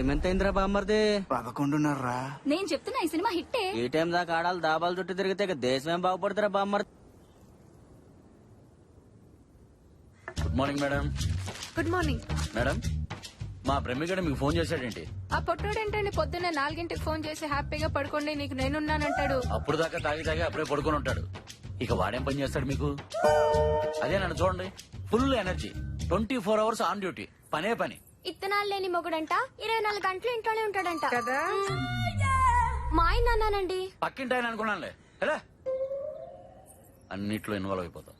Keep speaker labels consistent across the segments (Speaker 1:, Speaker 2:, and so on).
Speaker 1: Time ఎంత అయిందిరా బామ్మర్ది?
Speaker 2: 11:30.
Speaker 3: నేను చెప్తున్నా ఈ సినిమా హిట్టే.
Speaker 1: ఈ టైం దాకా ఆడాలి దాబాలు చుట్టూ తిరిగితే ఇక దేశం ఏం బాగుపడుతురా బామ్మర్ది?
Speaker 4: Good morning madam.
Speaker 5: Good morning.
Speaker 4: Madam మా ప్రేమికుడు మీకు ఫోన్ చేశాడేంటి?
Speaker 5: ఆ పొట్టోడేంటండి పొద్దున్నే 4 ఫోన్ చేసి హ్యాపీగా పడుకోండి నీకు నేనున్నానంటాడు.
Speaker 4: అప్పుడు దాకా తాగి అప్పుడే పడుకొని ఉంటాడు. ఇక వాడేం పని చేస్తాడు మీకు? అదే నన్ను చూడండి, full energy, 24 hours on duty, పనే పని.
Speaker 3: ఇత్తనాలు లేని మొగుడంట 24 గంటలు ఇంట్లోనే ఉంటాడంట
Speaker 5: కదా.
Speaker 3: మా ఆయన అన్నానండి.
Speaker 4: పక్కింటి ఆయన అనుకున్నానులే. ఎలా అన్నిట్లో ఇన్వాల్వ్ అయిపోతాం.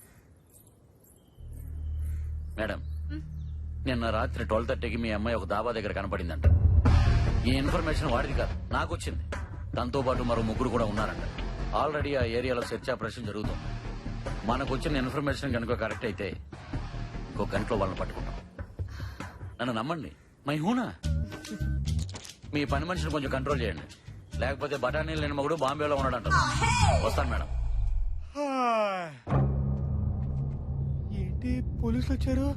Speaker 4: మేడం నిన్న రాత్రి 12:30కి మీ అమ్మాయి ఒక దాబా దగ్గర కనపడిందంట. ఈ ఇన్ఫర్మేషన్ వాడిది కాదు, నాకు వచ్చింది. దాంతో పాటు మరో ముగ్గురు కూడా ఉన్నారంట. ఆల్రెడీ ఆ ఏరియాలో సెర్చ్ ఆపరేషన్ జరుగుతుంది. మనకు వచ్చిన ఇన్ఫర్మేషన్ కనుక కరెక్ట్ అయితే ఇంకో గంటలో వాళ్ళని పట్టుకుంటాం. నన్ను నమ్మండి, మై హూనా. మీ పని మనిషిని కొంచెం కంట్రోల్ చేయండి, లేకపోతే బఠానీలు లేని మగుడు బాంబేలో ఉన్నాడంట. వస్తాను మేడం.
Speaker 2: ఏంటి పోలీసులు వచ్చారు?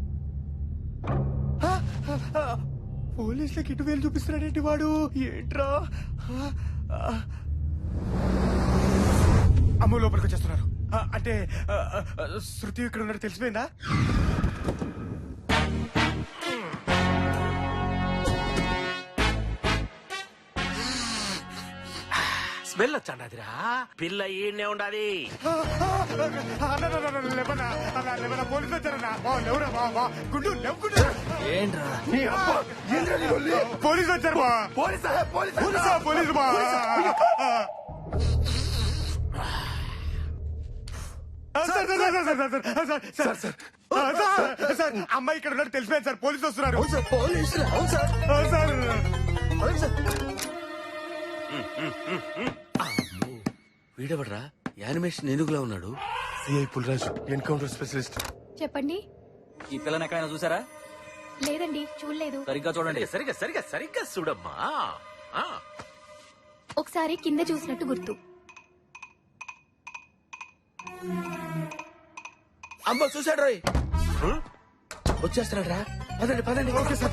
Speaker 2: పోలీసులకి ఇటు వేలు చూపిస్తున్నాడేంటి వాడు? ఏంట్రా? అమ్మ లోపలికి వచ్చేస్తున్నారు. అంటే శృతి ఇక్కడ ఉన్నట్టు తెలిసిపోయిందా?
Speaker 6: స్మెల్ వచ్చాడిరా. పిల్ల ఈయనే ఉండాలి.
Speaker 2: పోలీసులు వచ్చారన్నా. గుండు
Speaker 1: ఏంట్రా
Speaker 2: పోలీసులు వచ్చారు. పోలీసు సార్ అమ్మాయి ఇక్కడ ఉన్నట్టు తెలిసిపోయింది సార్. పోలీసులు వస్తున్నారు.
Speaker 6: వీడెవడ్రా యానిమేషన్ ఏనుగులా ఉన్నాడు?
Speaker 2: CI Pulraju, encounter specialist.
Speaker 3: చెప్పండి.
Speaker 1: ఈ పిల్లని ఎక్కడైనా చూసారా?
Speaker 3: లేదండి, చూడలేదు.
Speaker 1: సరిగ్గా చూడండి.
Speaker 6: సరిగ్గా చూడమ్మా.
Speaker 3: ఒకసారి కింద చూసినట్టు గుర్తు.
Speaker 6: అమ్మ చూసాడు రోయ్, వచ్చేస్తున్నాడు రా. పదండి. Okay sir.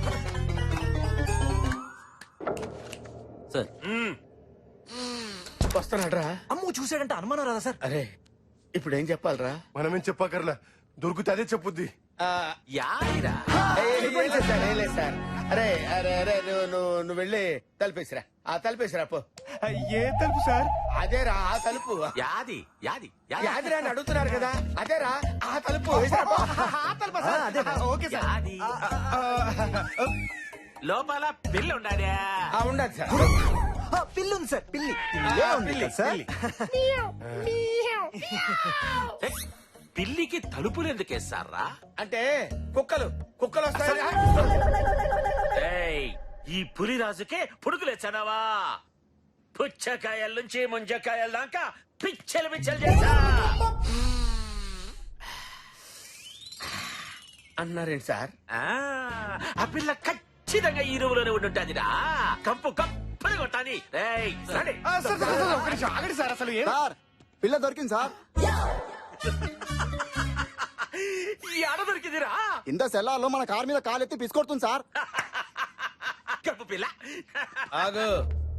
Speaker 1: సార్
Speaker 6: వస్తున్నాడు రా.
Speaker 1: అమ్ము చూసాడంటే అనుమానం రాదా సార్?
Speaker 6: అరే ఇప్పుడు ఏం చెప్పాలరా?
Speaker 2: మనమేం చెప్పకర్లా, దొరికితే అదే చెప్పుద్ది.
Speaker 6: యాదిరా
Speaker 7: సార్. అరే అరే అరే నువ్వు వెళ్ళి తలుపేసిరా. తలుపేసిరా పో.
Speaker 2: ఏ తలుపు సార్?
Speaker 7: అదేరా ఆ తలుపు.
Speaker 6: యాది
Speaker 7: యాదిరా అని అడుగుతున్నారు కదా, అదేరా ఆ తలుపు. వేసిరా పో. ఆ తలుపా సార్? Okay sir.
Speaker 6: యాది. లోపల పిల్ల ఉండాలి.
Speaker 7: ఉండదు సార్.
Speaker 1: పిల్లుంది సార్, పిల్లి.
Speaker 6: పిల్లికి తలుపులు ఎందుకు వేస్తారా?
Speaker 7: అంటే కుక్కలు వస్తాయి.
Speaker 6: ఏయ్, ఈ పులిరాజుకే పుడుకులేచ్చానావా? పుచ్చకాయల నుంచి ముంజకాయల దాకా పిచ్చలు చేశా
Speaker 7: అన్నారేంటి సార్?
Speaker 6: ఆ పిల్ల ఖచ్చితంగా ఈ రూములోనే ఉండుంటాదిరా. కంపు కప్పని కొట్టాలి.
Speaker 2: ఆగండి సార్. అసలు
Speaker 7: పిల్ల దొరికింది సార్.
Speaker 6: ఆడ దొరికిందిరా.
Speaker 7: ఇంత సెల్లార్లో మన కార్ మీద కాలెత్తి పిసుకొడుతుంది సార్.
Speaker 6: కప్పు పిల్ల.
Speaker 7: ఆగు.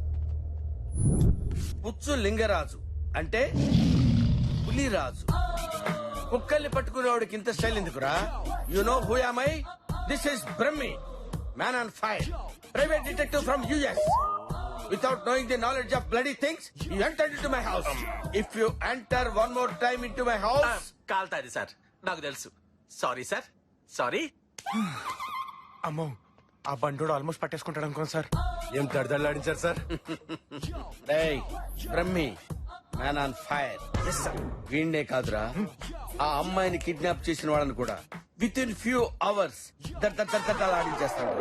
Speaker 7: పుచ్చు లింగరాజు అంటే పులిరాజు. కుక్కల్ని పట్టుకునేవాడికి ఇంత స్టైల్ ఎందుకురా? You know who am I? This is Brahmi, man on fire, private detective from US. Without knowing the knowledge of bloody things, you entered into my house. If you enter one more time into my house,
Speaker 6: కాల్తాది sir, నాకు తెలుసు. Sorry sir, sorry.
Speaker 2: అమ్మో, ఆ బండోడు almost పట్టేసుకుంటాడు అనుకోండి sir. ఏం దడదడలాడించారు sir?
Speaker 7: Brahmi, man on fire. వీణ్ణే కాదురా, ఆ అమ్మాయిని కిడ్నాప్ చేసిన వాళ్ళని కూడా విత్ ఇన్ ఫ్యూ అవర్స్ ఆడించేస్తాడు.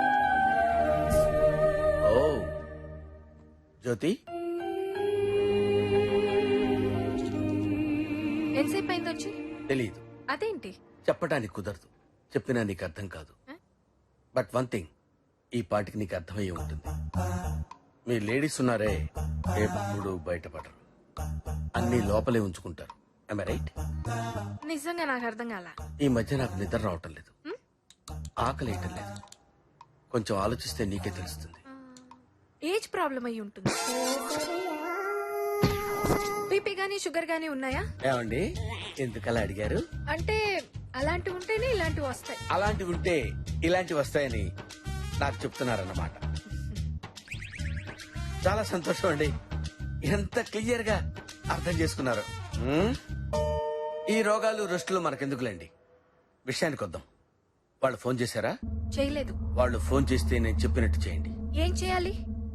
Speaker 7: జ్యోతి, తెలీదు.
Speaker 5: అదేంటి?
Speaker 7: చెప్పడానికి కుదరదు. చెప్పినా నీకు అర్థం కాదు. బట్ వన్ థింగ్, ఈ పాటికి నీకు అర్థమయ్యే ఉంటుంది. మీ లేడీస్ ఉన్నారే, ఎప్పుడు బయటపడరు, అన్ని లోపలే ఉంచుకుంటారు. Am I right?
Speaker 5: నిజంగా నాకు అర్థం కాల.
Speaker 7: ఈ మధ్య నాకు నిద్ర రావటం లేదు, ఆకలి వేయటం లేదు. కొంచెం ఆలోచిస్తే నీకే తెలుస్తుంది.
Speaker 5: ఏజ్ ప్రాబ్లం అయి ఉంటుంది. బీపీ గానీ షుగర్ గానీ ఉన్నాయా?
Speaker 7: ఏమండి ఎందుకలా అడిగారు?
Speaker 5: అంటే అలాంటివి ఉంటేనే ఇలాంటివి వస్తాయి.
Speaker 7: అలాంటివి ఉంటే ఇలాంటివి వస్తాయని నాకు చెప్తున్నారన్నమాట. చాలా సంతోషం అండి, ఎంత క్లియర్ గా అర్థం చేసుకున్నారు. ఈ రోగాలు రెస్టులు మనకెందుకులేండి, విషయానికి వద్దాం. వాళ్ళు ఫోన్ చేశారా?
Speaker 5: చేయలేదు.
Speaker 7: వాళ్ళు ఫోన్ చేస్తే నేను చెప్పినట్టు చేయండి.
Speaker 5: ఏం చేయాలి?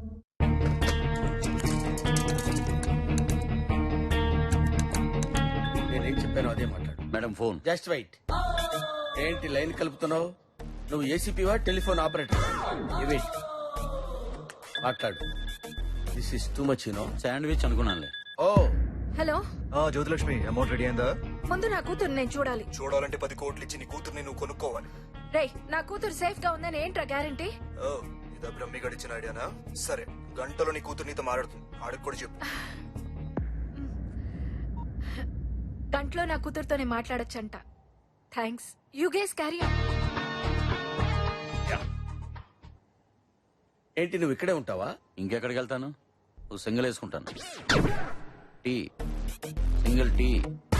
Speaker 7: నేనేం చెప్పానో అదే మాట్లాడు.
Speaker 4: Madam phone.
Speaker 7: Just wait. ఏంటి లైన్ కలుపుతున్నావు? నువ్వు ఏసీపీవా టెలిఫోన్ ఆపరేటర్? వెయిట్, మాట్లాడు. This is too much you know.
Speaker 4: Sandwich అనుకున్నానులే.
Speaker 7: Oh
Speaker 5: hello,
Speaker 8: Jyothilakshmi, amount ready అయిందా?
Speaker 5: ముందు నా కూతురు నేను చూడాలి.
Speaker 8: చూడాలంటే 10 కోట్లు ఇచ్చి నీ కూతుర్ని నువ్వు కొనుక్కోవాలి.
Speaker 5: రేయ్, నా కూతురు సేఫ్ గా ఉందని ఏంట్రా గ్యారంటీ?
Speaker 8: ఓ, ఇదా బ్రహ్మి గడిచిన ఐడియానా? సరే, గంటలో నీ కూతురు నీతో మాట్లాడుతుంది, ఆడికి కూడా చెప్పు.
Speaker 5: గంటలో నా కూతురుతోనే మాట్లాడొచ్చంట. Thanks. You guys carry on.
Speaker 7: ఏంటి నువ్వు ఇక్కడే ఉంటావా?
Speaker 4: ఇంకెక్కడికి వెళ్తాను? నువ్వు సింగిల్ వేసుకుంటాను. Tea, single tea.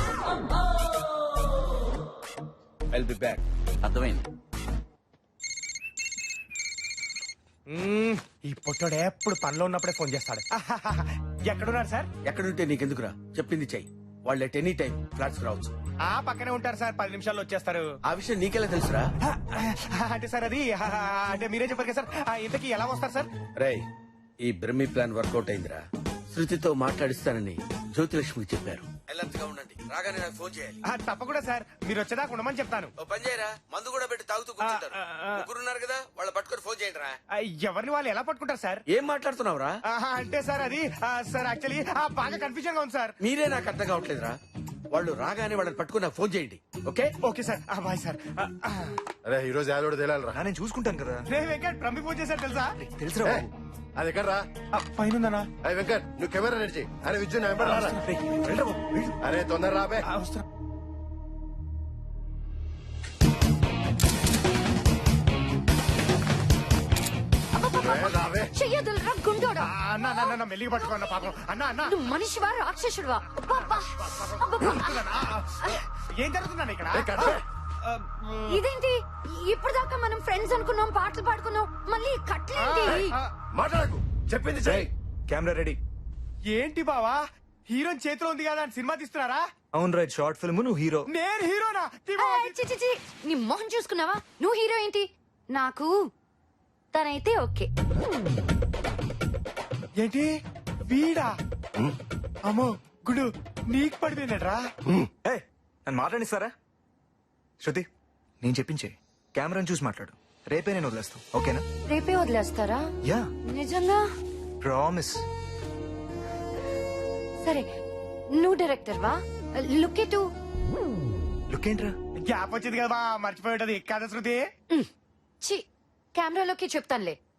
Speaker 7: I'll be back.
Speaker 4: అర్థమైంది.
Speaker 2: ఈ పొట్టోడు ఎప్పుడు పనిలో ఉన్నప్పుడే ఫోన్ చేస్తాడు. ఎక్కడున్నారు సార్?
Speaker 7: ఎక్కడుంటే నీకెందుకురా, చెప్పింది చెయ్యి. వాళ్ళు ఎట్ ఎనీ టైం ఫ్లాట్స్ రావచ్చు.
Speaker 2: ఆ పక్కనే ఉంటారు సార్, 10 నిమిషాల్లో వచ్చేస్తారు.
Speaker 7: ఆ విషయం నీకెలా తెలుసురా?
Speaker 2: అంటే సార్ అది అంటే మీరే చెప్పారు కదా సార్. ఇంతకీ ఎలా వస్తారు సార్?
Speaker 7: రేయ్, ఈ బ్రహ్మి ప్లాన్ వర్కౌట్ అయిందిరా. శృతితో మాట్లాడిస్తానని జ్యోతిలక్ష్మికి చెప్పారు. అలర్ట్ గా ఉండండి, రాగానే నాకు ఫోన్ చేయాలి.
Speaker 2: తప్పకుండా సార్, మీరు వచ్చేదాకా ఉండమని చెప్తాను.
Speaker 7: ఓ పని చేయరా, మందు కూడా పెట్టి తాగుతూ కూర్చుంటారు. ముగ్గురున్నారు కదా, వాళ్ళ పట్టుకొని ఫోన్ చేయండి రా.
Speaker 2: ఎవరిని వాళ్ళు ఎలా పట్టుకుంటారు సార్?
Speaker 7: ఏం మాట్లాడుతున్నావురా?
Speaker 2: అంటే సార్ అది సార్ యాక్చువల్లీ బాగా కన్ఫ్యూజన్ గా ఉంది సార్.
Speaker 7: మీరే నాకు అర్థం కావట్లేదురా. వాళ్ళు రాగానే వాళ్ళని పట్టుకుని నాకు ఫోన్ చేయండి. Okay
Speaker 2: okay sir. Bye sir.
Speaker 9: అరే ఈ రోజు యాదోడు తేలాలరా.
Speaker 8: నేను చూసుకుంటాను కదా.
Speaker 2: రే వెంకట్, ప్రమి ఫోన్ చేశారు తెలుసా?
Speaker 8: తెలుసురా?
Speaker 9: అది ఎక్కడ రా?
Speaker 2: పైన ఉందన్నా.
Speaker 9: అరే వెంకట్, నువ్వు కెమెరా రెడీ చేయి. అరే విద్యుత్ నా వెంబడి రారా. అరే తొందర రాబే. రాబే.
Speaker 3: చెయ్యదులరా గుండోడా.
Speaker 2: అన్న మెల్లిగా పట్టుకోన్న పాపం. అన్న అన్న
Speaker 3: నువ్వు మనిషివా రాక్షసుడివా? అబ్బబ్బా, అబ్బబ్బా.
Speaker 2: ఏం జరుగుతుందన్న ఇక్కడ?
Speaker 9: ఏ, కట్.
Speaker 3: ఇదేంటి ఇప్పుడు దాకా మనం ఫ్రెండ్స్ అనుకున్నాం, పాటలు పాడుకున్నాం, మళ్ళీ కట్లేంటి?
Speaker 9: మాట్లాడకు, చెప్పింది చెయ్యి.
Speaker 8: Camera ready.
Speaker 2: ఏంటి బావా, హీరోయిన్ చేతిలో ఉంది కదా అని సినిమా తీస్తున్నారా?
Speaker 8: అవును రైట్, షార్ట్ ఫిల్మ్, నువ్వు హీరో.
Speaker 2: నేను హీరోనా?
Speaker 3: ఏయ్, చి, చి, చి. నీ మొహం చూసుకున్నావా? నువ్వు హీరో ఏంటి? నాకు తనైతే ఓకే.
Speaker 2: ఏంటి వీడా? అమ్మో గుడు, నీకు పడిపోయినట్రా.
Speaker 8: నన్ను మాట్లాడిస్తారా? శృతి, నేను చెప్పించే కెమెరాని చూసి మాట్లాడు. రేపే నేను వదిలేస్తాను, ఓకేనా?
Speaker 3: రేపే వదిలేస్తారా?
Speaker 8: యా,
Speaker 3: నిజంగా?
Speaker 8: ప్రామిస్.
Speaker 3: సరే, నువ్వు డైరెక్టర్ వా? లుక్ ఎటు.
Speaker 8: లుక్ ఏంట్రా?
Speaker 2: గ్యాప్ వచ్చింది కదా, మర్చిపోయి ఉంటది కదా శృతి.
Speaker 3: చి, కెమెరాలోకి చెప్తానులే.